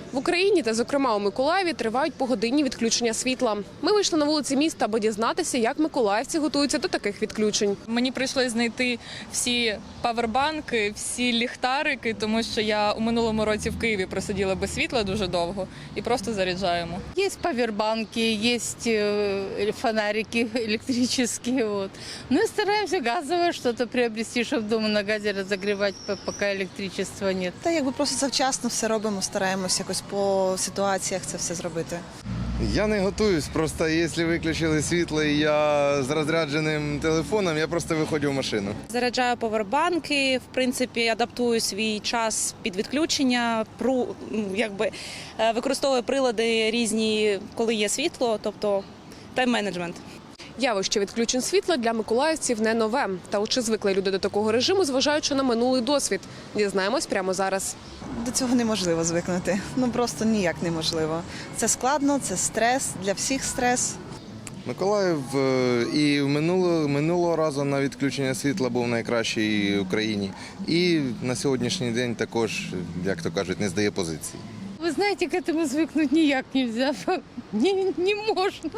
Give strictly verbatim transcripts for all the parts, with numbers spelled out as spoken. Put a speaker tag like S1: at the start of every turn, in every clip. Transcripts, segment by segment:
S1: В Україні та, зокрема, у Миколаєві тривають погодинні відключення світла. Ми вийшли на вулиці міста, аби дізнатися, як миколаївці готуються до таких відключень.
S2: Мені прийшлося знайти всі павербанки, всі ліхтарики, тому що я у минулому році в Києві просиділа без світла дуже довго і просто заряджаємо.
S3: Есть павербанки, есть э, фонарики электрические. Вот. Ну и стараемся газовое что-то приобрести, чтобы дома на газе разогревать, по- пока электричества нет.
S4: Та якби просто завчасно все робимо, стараємося якось по ситуаціях це все зробити.
S5: Я не готуюсь, просто якщо виключили світло і я з розрядженим телефоном, я просто виходжу в машину.
S6: Заряджаю повербанки, в принципі, адаптую свій час під відключення, пру, ну, якби, е, використовую прилади різні, коли є світло, тобто тайм-менеджмент.
S1: Явище відключень світла для миколаївців не нове. Та от чи звикли люди до такого режиму, зважаючи на минулий досвід? Дізнаємось прямо зараз.
S4: До цього неможливо звикнути. Ну просто ніяк неможливо. Це складно, це стрес, для всіх стрес.
S5: Миколаїв е, і минулого, минулого разу на відключення світла був найкращий в Україні. І на сьогоднішній день також, як то кажуть, не здає позиції.
S3: Вы знаете, к этому звыкнуть никак нельзя, не, не можно,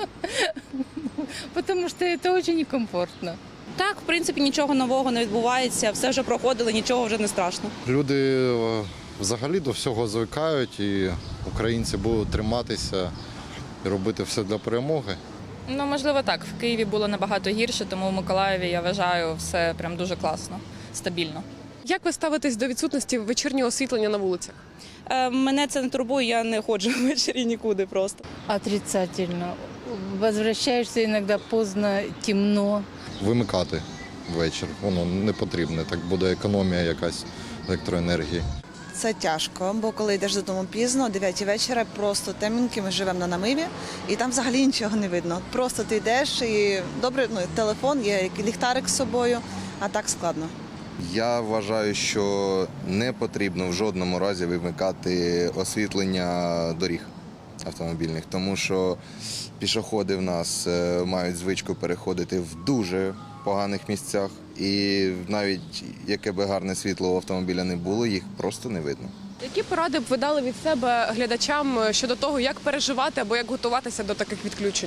S3: потому что это очень некомфортно.
S6: Так, в принципі, нічого нового не відбувається, все вже проходили, нічого вже не страшно.
S7: Люди е, взагалі до всього звикають, і українці будуть триматися і робити все для перемоги.
S2: Ну, можливо, так. В Києві було набагато гірше, тому в Миколаєві, я вважаю, все прям дуже класно, стабільно.
S1: Як ви ставитесь до відсутності вечірнього освітлення на вулицях?
S6: Е, мене це не турбує, я не ходжу ввечері нікуди просто.
S3: Отрицательно. Возвращаешься иногда поздно, темно.
S7: Вимикати ввечері, воно не потрібне, так буде економія якась електроенергії.
S4: Це тяжко, бо коли йдеш додому пізно, о дев'ятій вечора, просто темненькі, ми живемо на намиві, і там взагалі нічого не видно. Просто ти йдеш і добре, ну, телефон, є ліхтарик з собою, а так складно.
S5: Я вважаю, що не потрібно в жодному разі вимикати освітлення доріг автомобільних, тому що пішоходи в нас е, мають звичку переходити в дуже поганих місцях, і навіть яке би гарне світло у автомобіля не було, їх просто не видно.
S1: Які поради б ви дали від себе глядачам щодо того, як переживати або як готуватися до таких відключень?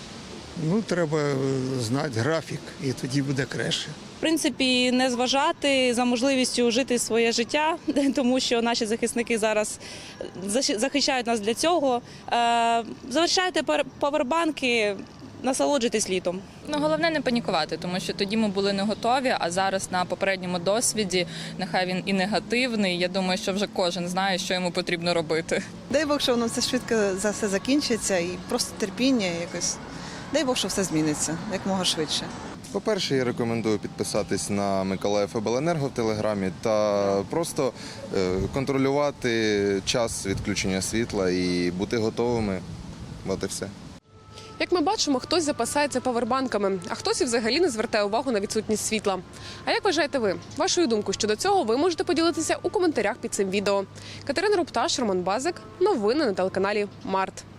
S8: Ну, треба знати графік, і тоді буде краще.
S6: В принципі, не зважати за можливістю жити своє життя, тому що наші захисники зараз захищають нас для цього. Е, Залишайте павербанки, насолоджуйтесь літом.
S2: Ну, головне не панікувати, тому що тоді ми були не готові, а зараз на попередньому досвіді, нехай він і негативний, я думаю, що вже кожен знає, що йому потрібно робити.
S4: Дай Бог, що воно все швидко за все закінчиться і просто терпіння якось. Дай Бог, що все зміниться якомога швидше.
S5: По-перше, я рекомендую підписатись на Миколаїв Обленерго в Телеграмі та просто е, контролювати час відключення світла і бути готовими. От і все.
S1: Як ми бачимо, хтось запасається павербанками, а хтось і взагалі не звертає увагу на відсутність світла. А як вважаєте ви? Вашою думкою щодо цього ви можете поділитися у коментарях під цим відео. Катерина Рупташ, Роман Базик. Новини на телеканалі Март.